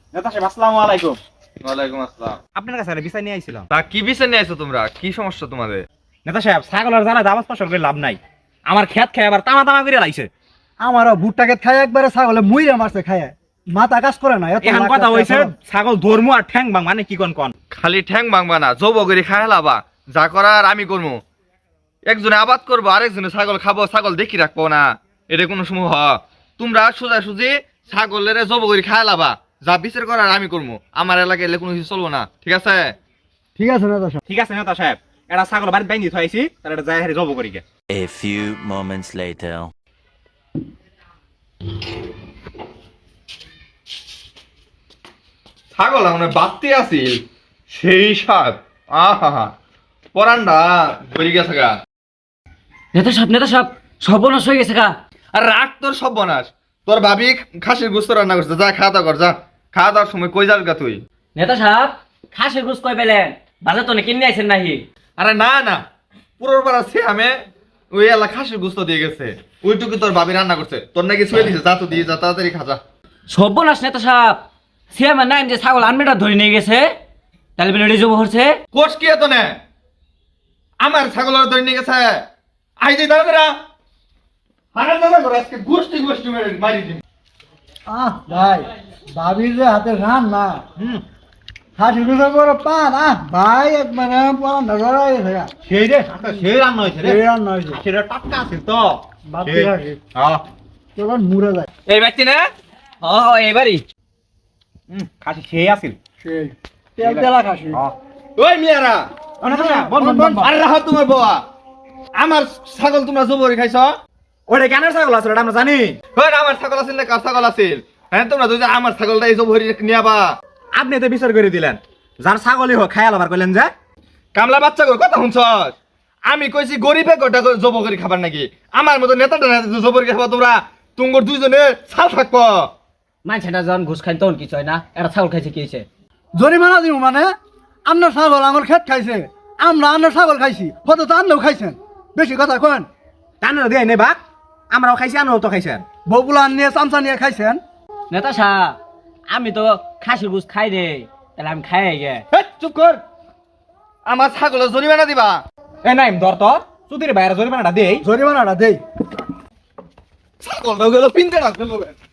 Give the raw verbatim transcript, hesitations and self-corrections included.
নেতা সাহেব আসসালামু আলাইকুম। ওয়ালাইকুম আসসালাম। আপনার কাছে বিচার নিয়ে আইছিলাম। তা কি বিচার নিয়ে আইছো তোমরা? কি সমস্যা তোমাদের? নেতা সাহেব ছাগলের জ্বালা দাবাজ ফসল করে লাভ নাই। আমার খেত খায় আবার তামা তামা করে লাইছে। আমারও ভুট্টাকে খায় একবারে ছাগলে মুইরা মারছে খায় মাথা কাজ করে না। এত এখন লাখ কথা টাকা হইছে খরচ। ছাগল ধর্ম আর ঠ্যাং ভাঙ মানে কি কোন কোন। খালি ঠ্যাং ভাঙবা না, জব করে খায় লাবা। যা করার আমি করবো। একজনে আবাদ করবো, আরেকজনে ছাগল খাবো, ছাগল দেখি রাখবো না। এটা কোনো সময় হ। তোমরা সোজা সুজি ছাগলের জব করে খায় লাবা। যা বিচার করার আমি করবো। আমার এলাকায় এলে কোনো কিছু চলবো না, ঠিক আছে? ঠিক আছে নেতা সাহেব। ঠিক আছে নেতা সাহেব, এটা ছাগল বাড়িতে বাইন্ধি থইছি, তার এটা যায় হারি জব করি গে। A few moments later. ছাগল আমরা বাড়তে আসিল সেই সাপ। আহা পরান্ডা ধরে গেছে গা। নেতা সাহেব নেতা সাহেব সর্বনাশ হয়ে গেছে গা। আর রাগ তোর সর্বনাশ। তোর ভাবি খাসির গোস্ত রান্না করছে, যা খাওয়া দাওয়া কর, যা। খাওয়া দাওয়ার সময় কই যাস গা তুই? নেতা সাহেব খাসির গুছ কই পেলেন? বাজার তো কিনে আইছেন নাহি? আরে না না, পুরোর পাড়া সে আমি ওই এলা খাসির গোস্ত দিয়ে গেছে, ওইটুকু তোর ভাবি রান্না করছে। তোর নাকি ছুঁয়ে দিছে, যা তো দিয়ে যা, তাড়াতাড়ি খা যা। সর্বনাশ নেতা সাহেব, সে আমার নাম যে ছাগল আনমেটা ধরে নিয়ে গেছে, তাহলে বেলে জব হচ্ছে। কোষ কি এত নে? আমার ছাগলের ধরে নিয়ে গেছে। আই যে দাঁড়া দাঁড়া হারার দাঁড়া করে আজকে গোষ্ঠী গোষ্ঠী মেরে মারি দিন। আহ ভাই ভাবির যে হাতে রান না হুম হাসি গুলো করে পান। আহ ভাই একবারে পড়া নজর গেছে গা। সেই রে হাতে সেই রান্না হইছে রে। এই রান নয় যে সেটা টাটকা আছে তো। বাতি সেই। রাখি হ্যাঁ তখন মুড়ে যায়। এই ব্যক্তি না? ও এবারই হুম খাসি সেই আছিল। সেই তেল তেলা খাসি। হ্যাঁ ওই মিয়ারা, নেতা সাহেব বল বল বল। আরে রাহো তোমার বাবা। আমার ছাগল তোমরা জবরি খাইছ? ওরে কেন ছাগল আছে এটা আমরা জানি। ওই আমার ছাগল আছিল না কার ছাগল আছিল? হ্যাঁ তোমরা যদি আমার ছাগলটা এই জবরি নিয়াবা। আপনি তো বিচার করে দিলেন, যার ছাগলই হোক খায়াল আবার কইলেন যে কামলা বাচ্চা করে কথা শুনছ? আমি কইছি গরিবে গোটা জব করে খাবার নাকি? আমার মতো নেতাটা জবরি খাবা তোমরা? তুঙ্গর দুইজনে ছাল থাকবো। মানছেটা যখন ঘুষ খাই তখন কিছু হয় না, একটা ছাগল খাইছে কি হয়েছে? জরিমানা দিব মানে আপনার ছাগল আমার খেত খাইছে, আমরা আপনার ছাগল খাইছি, হয়তো তো আপনিও খাইছেন। বেশি কথা কেন? টানের দিয়ে নেই বাক, আমরাও খাইছি আমরাও তো খাইছেন। বগুলা নিয়ে চামচা নিয়ে খাইছেন। নেতা সাহেব আমি তো খাসির গুছ খাই রে, তাহলে আমি খাই গে। হেৎ, চুপ কর। আমার ছাগলের জরিমানা দিবা। এ নাই ধর তো চুদির বাইরে জরিমানাটা দেই। জরিমানাটা দেই। ছাগলটা গেল পিনতে রাখবে।